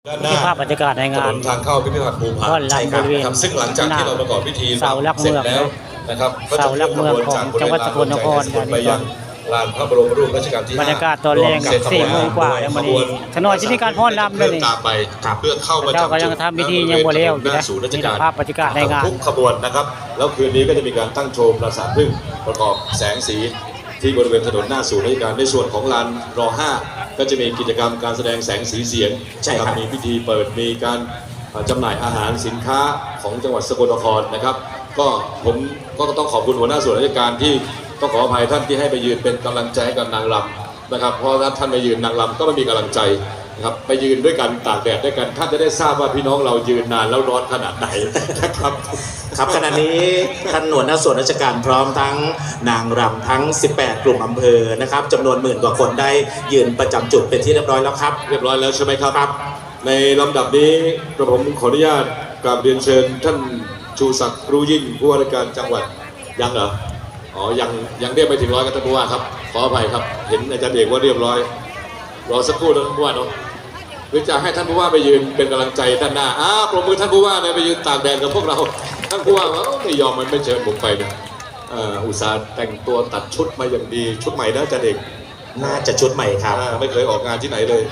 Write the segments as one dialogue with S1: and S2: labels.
S1: ด้านหน้า
S2: ภาพบรรยากาศในงาน
S1: ถนนทางเข้าพิพิธภัณฑ์ภูผา
S2: ต้อนรับบริเวณ
S1: ซึ่งหลังจากที่เราประกอบพิธี
S2: เสาหลัก
S1: เสร็
S2: เมื
S1: จ
S2: อง
S1: แล้วนะครับ
S2: เสาหลักเมืองของจังหวัดสกลนคร
S1: ไปยังลานพระบรมรูปรัชกาลที่
S2: บรรยากาศตอนแรก 4 โมงกว่าแล้ววันนี้ถนนที่มีการพ้อนรำด้วยนี่
S1: ตามไปเพื่อเข้ามา
S2: เจ้ากำลังทำพิธียังบ่แล้วอยู่นะ
S1: ศูนย์ราชการ
S2: นี่ภาพบรรยากาศในงาน
S1: ทุกขบวนนะครับแล้วคืนนี้ก็จะมีการตั้งโชว์ปราสาทผึ้งประกอบแสงสีที่บริเวณถนนหน้าศูนย์ราชการในส่วนของลานร5ก็จะมีกิจกรรมการแสดงแสงสีเสียง
S3: ใช่ครับ
S1: มีพิธีเปิดมีการจำหน่ายอาหารสินค้าของจังหวัดสกลนครนะครับก็ผมก็ต้องขอบคุณหัวหน้าส่วนราชการที่ต้องขออภัยท่านที่ให้ไปยืนเป็นกำลังใจให้กับนางรำนะครับเพราะถ้าท่านไปยืนนางรำก็ไม่มีกำลังใจนะครับไปยืนด้วยกันตากแดดด้วยกันท่านจะได้ทราบว่าพี่น้องเรายืนนานแล้วร้อนขนาดไหนนะครับ
S3: ครับขณะนี้ท่านหน่วยหน้าส่วนราชการพร้อมทั้งนางรำทั้ง 18 กลุ่มอำเภอนะครับจำนวน10,000 กว่าคนได้ยืนประจำจุดเป็นที่เรียบร้อยแล้วครับ
S1: เรียบร้อยแล้วใช่ไหมครับในลำดับนี้กระผมขออนุญาตกราบเรียนเชิญท่านชูศักดิ์รู้ยิ่งผู้ว่าราชการจังหวัดยังเหรออ๋อยังเรียกไปถึงร้อยกันท่านผู้ว่าครับขออภัยครับเห็นอาจารย์เอกว่าเรียบร้อยรอสักครู่นะท่านผู้ว่าเนาะหรือจะให้ท่านผู้ว่าไปยืนเป็นกำลังใจด้านหน้าปรบมือท่านผู้ว่าเลยไปยืนตากแดดกับพวกเราท่านผู้ว่าไม่ยอมมันไม่เชิญผมไปนะอุตส่าห์แต่งตัวตัดชุดมาอย่างดีชุดใหม่นะอาจารย์เอก
S3: น่าจะชุดใหม่ครับ
S1: ไม่เคยออกงานที่ไหนเลย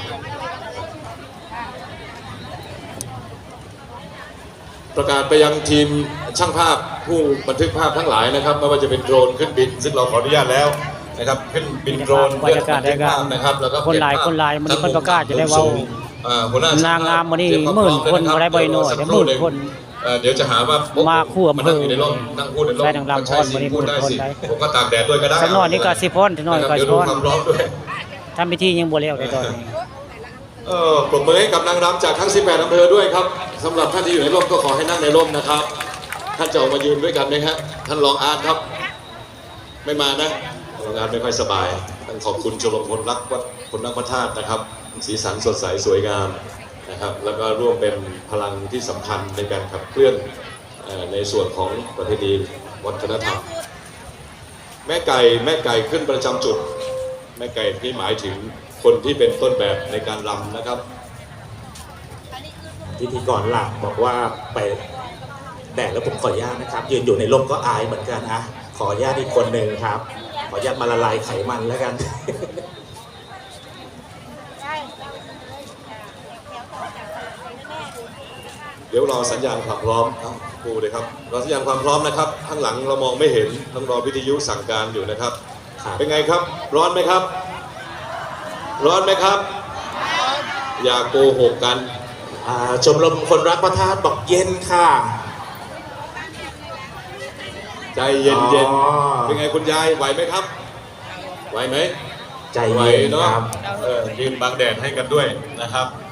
S1: ประกาศไปยังทีมช่างภาพผู้บันทึกภาพทั้งหลายนะครับไม่ว่าจะเป็นโดรนขึ้นบินซึ่งเราขออนุญาตแล้วนะครับขึ้นบินโดรน
S2: บรรยากาศในงาน
S1: นะครับแล้วก็
S2: คนหลายมันเพิ่นประกาศจะได้เว้านางงามวันนี้10,000 คนบ่ได้บ่น้อยแต่10,000 คน
S1: เดี๋ยวจะหาว่า
S2: มาคู่อำเภอ
S1: ในร่มนั่งพูดในร่ม
S2: ได้นางรำพรวันนี้10,000 คนได้
S1: ผมก็ตากแดดด้วยก็ได้
S2: สักหน่อยนี่ก็สิพ้นสักหน่อยก็สิพ้น
S1: เดี๋ยวดูความร้อนด้วย
S2: ทำพิธียังบ่แล้วในตอนนี้
S1: ปรบมือให้กับนางรำจากทั้ง18อำเภอด้วยครับสำหรับท่านที่อยู่ในร่มก็ขอให้นั่งในร่มนะครับท่านจะออกมายืนด้วยกันไหมครับท่านรองอาร์ตครับไม่มานะรองอาร์ตไม่ค่อยสบายต้องขอบคุณชมรมคนรักวัดคนรักพระธาตุนะครับสีสันสดใสสวยงามนะครับแล้วก็ร่วมเป็นพลังที่สำคัญในการขับเคลื่อนในส่วนของประเพณีวัฒนธรรมแม่ไก่ขึ้นประจำจุดแม่ไก่ที่หมายถึงคนที่เป็นต้นแบบในการรำนะครับ
S3: พิธีกรหลักบอกว่าไปแดดแล้วผมขออนุญาตนะครับยืนอยู่ในร่มก็อายเหมือนกันนะขออนุญาตอีกคนหนึ่งครับขออนุญาตมาละลายไขมันแล้วกัน
S1: เดี๋ยวรอสัญญาณความพร้อมครับครูเลยครับรอสัญญาณความพร้อมนะครับข้างหลังเรามองไม่เห็นต้องรอวิทยุสั่งการอยู่นะครับเป็นไงครับร้อนไหมครับร้อนไหมครับอย่าโกหกกัน
S3: ชมรมคนรักพระธาตุบอกเย็นค่ะ
S1: ใจเย็นเป็นไงคุณยายไหวไหมครับไหวไหม
S3: ใจเย็น
S1: เนาะ
S3: ครับ
S1: ยืนบังแดดให้กันด้วยนะครับ